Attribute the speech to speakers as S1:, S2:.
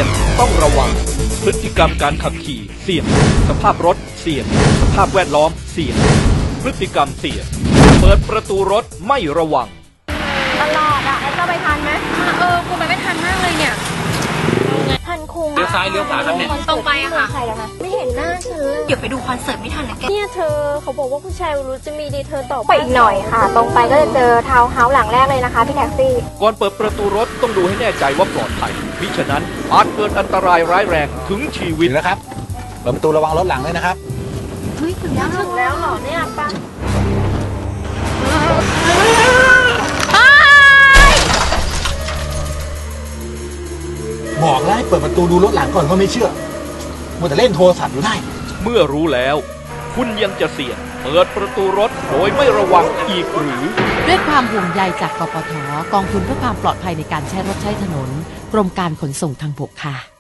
S1: ยงต้องระวังพฤติกรรมการขับขี่เสี่ยงสภาพรถเสี่ยงสภาพแวดล้อมเสี่ยงพฤติกรรมเสี่ยงเปิดประตูรถไม่ระวัง
S2: ตลอดอะแล้วจะไปทันไหม
S3: กูไปไม่ทันมากเลยเนี่ย
S2: ทันคุง
S4: เลี้ยวซ้ายเลี้ยวขวาครับเนี่ย
S3: ตรงไปอะค่ะ
S2: ไม่เห็นหน้าฉันเลย
S3: เดี๋ยวไปดูคอนเสิร์ตไม่ทันนะแก
S2: เนี่ยเธอเขาบอกว่าผู้ชายรู้จะมีดีเธอต่อไปอีกหน่อยค่ะตรงไปก็จะเจอทาวน์เฮาส์หลังแรกเลยนะคะพี่แท็กซี่
S1: ก่อนเปิดประตูรถต้องดูให้แน่ใจว่าปลอดภัยมิฉะนั้นอาจเกิดอันตรายร้ายแรงถึงชีวิต
S4: แล้วครับเปิดประตูระวังรถหลังเลยนะครับ
S2: เฮ้ยถึงแล้วเหรอเนี่ยป้า
S4: บอกแล้วให้เปิดประตูดูรถหลังก่อนก็ไม่เชื่อมัวแต่เล่นโทรศัพท์อยู่ได้
S1: เมื่อรู้แล้วคุณยังจะเสี่ยงเปิดประตูรถโดยไม่ระวังอีกหรือ
S5: ด้วยความห่วงใยจากกปท.กองทุนเพื่อความปลอดภัยในการใช้รถใช้ถนนกรมการขนส่งทางบกค่ะ